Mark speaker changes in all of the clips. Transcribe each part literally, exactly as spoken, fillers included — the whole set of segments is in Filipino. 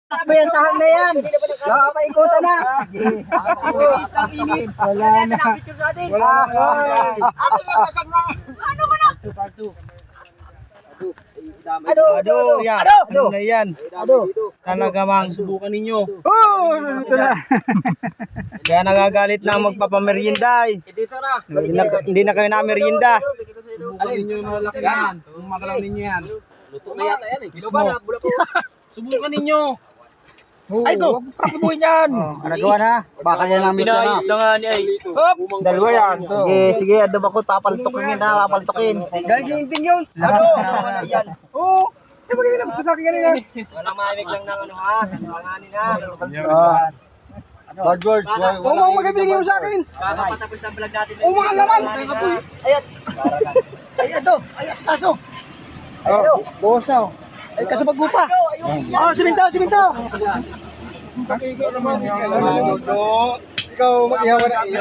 Speaker 1: Takbo yan sa hang na yan. Nakapaikutan na. Wala na. Wala na.
Speaker 2: Ako yung kasag na. Ano mo na?
Speaker 1: Ado, ado, yan. Ano na yan? Ado. Talagamang
Speaker 3: Subukan ninyo.
Speaker 1: oh, ito na. Kaya nagagalit na ang magpapamerienda eh.
Speaker 2: Dito na.
Speaker 1: Hindi na, hindi na kayo na merienda.
Speaker 3: Subukan ninyo yung malalaki yan. Kung magalaw ninyo yan.
Speaker 2: Luto na yata yan eh.
Speaker 3: Mismo. Subukan ninyo.
Speaker 1: Ay ko, prakibuhin yan. Oh, nagawa na. Baka yan ang mitya na.
Speaker 3: na nga ni ay.
Speaker 1: Hop, dalawa yan. Sige, sige, adab ako papaltukin yun ha, papaltukin. Gagawin din yun. Ano? Yan. Oo. Eh, magiging lang sa akin kanina. Walang maimig lang ng ano ha, nanganganin ha. Bad words. Oo, mga magibigay mo sa akin. Kakapatapos ng vlog natin. Oo, mga laman. Ayan. Ay, ito. Ay, kaso. Oh, buhos na. Ay, kaso magbupa. Oh, simintaw, simintaw.
Speaker 3: Ikaw, mag-ihawa na iyo.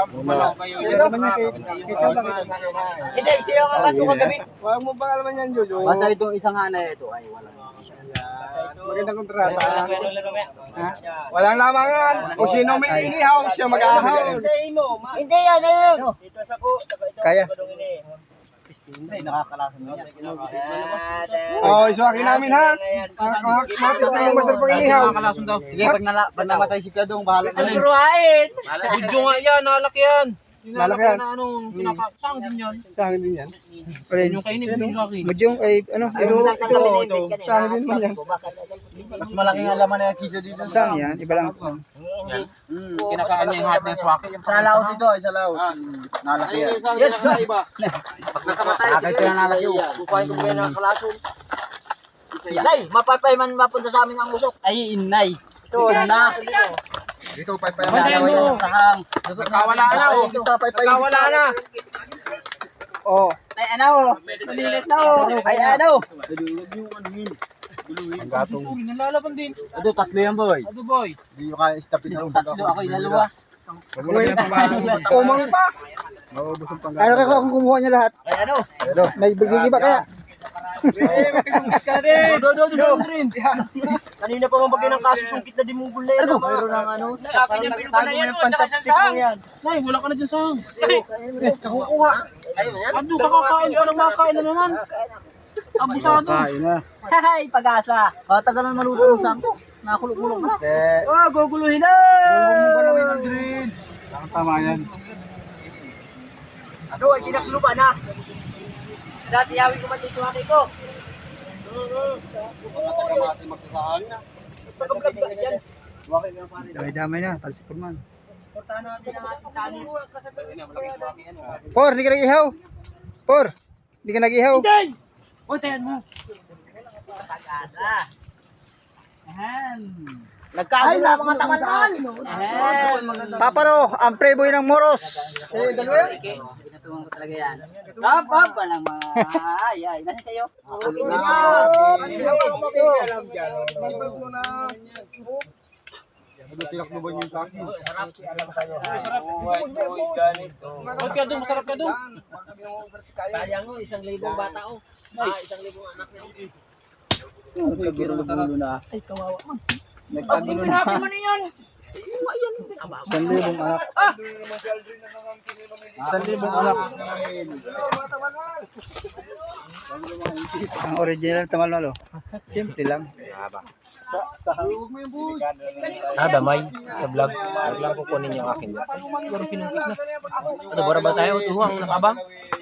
Speaker 1: Hindi, siya ang kaso kagabi.
Speaker 3: Huwag mo bang alaman yan, Jojo?
Speaker 1: Basta itong isang hanay ito ay wala.
Speaker 3: Magandang kontrata. Walang lamangan. Kung sino may inihaw, siya mag-ahaw.
Speaker 2: Hindi yan, ayun.
Speaker 1: Dito sa ko, kaya. Hindi, nakakalasan mo yan.
Speaker 3: Oh, isuwakin namin ha. Matis na yung masarap ang inihaw.
Speaker 1: Sige, pag, nala, pag namatay si Kadong, bahala na rin.
Speaker 2: Suruhain.
Speaker 3: Budyo nga yan, nalak yan. Nalak yan. Na ano, pinapasang din yan. Sangin din yan. Yung kainin, budyo akin.
Speaker 1: Mudyong ay, ano,
Speaker 2: Ayaw mo lang kami na invite ka na.
Speaker 3: Sangin din naman yan.
Speaker 1: mas malaking alaman na yung kiso dito. Sang yan, iba lang.
Speaker 2: Hindi.
Speaker 3: Kinakaan niya yung hat ng swaki.
Speaker 1: Sa laot dito, ay sa laot. Nalaki yan.
Speaker 3: Yan, iba.
Speaker 2: Pag nakamatay,
Speaker 1: Akay ko na nalaki yun.
Speaker 2: kukuhain ko kayo ng kalason. Nay, mapapayman mapunta sa amin ang usok.
Speaker 1: Ay, inay. Ito na.
Speaker 4: Dito, paypay mo.
Speaker 3: Pwede mo.
Speaker 1: Sahang.
Speaker 3: Nakawala na oh. Nakawala na. Oh.
Speaker 1: Ay, ano? Malilit na oh. Ay, ano?
Speaker 3: Ang gatong. Susuli, nalalaban din.
Speaker 1: Ado, tatlo yan, boy.
Speaker 3: Ano boy?
Speaker 4: Hindi nyo kaya istapin na.
Speaker 1: Tatlo, ako inalawa.
Speaker 3: Umang pa.
Speaker 4: Maubos ang
Speaker 1: Ano kaya kung kumuha niya lahat? Ay, ano? May bigay ba kaya?
Speaker 3: Do, do, do, do, rin.
Speaker 1: Kanina pa mabagay ng kaso, sungkit na dimugol na yan. Mayroon ng ano.
Speaker 3: Akin yung pinupa na yan, oh, saka siyang sahang. Nay, wala ka na dyan sahang. Kakukuha. Ano, kakakain pa ng makain na naman. Abusado.
Speaker 1: Hay, pag-asa. Tagal na maluto ng sangko. Nakulong-kulong na. Oh, guguluhin na! Guguluhin na, Aldrin.
Speaker 3: Tama yan.
Speaker 1: Ano, ay kinakluba na. Dati yawin ko man dito aki ko. Damay-damay na, talsipon man. Portahan natin ang ating channel. Por, hindi ka nag-ihaw. Por, hindi ka nag-ihaw. Hindi! O, tayan mo. Pag-asa. Ayan. Nagkago na mga taman-taman. Paparo, ang preboy ng Moros. Eh, dalawa yan. Pinatuwang ko talaga yan. Hop, hop, walang mga... Ay, ay, nasa sa'yo. Okay na
Speaker 4: Tinakluban yung sa akin.
Speaker 3: Huwag ka doon, masarap ka doon.
Speaker 2: Sayang mo, isang libong bata oh. Ah, isang libong anak niya.
Speaker 1: Nagkagulo na. Ay, kawawa man. Nagkagulo na.
Speaker 3: Pinapin mo na yan.
Speaker 1: Isang libong anak. Isang libong anak. Ang original tamalalo. Simple lang.
Speaker 3: Ah, damay. Sa vlog. Vlog lang kukunin yung akin dyan. Pero pinungkit na. Ano, bara ba tayo? Tuwang nakabang?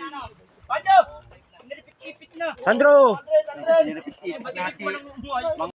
Speaker 3: Sandro!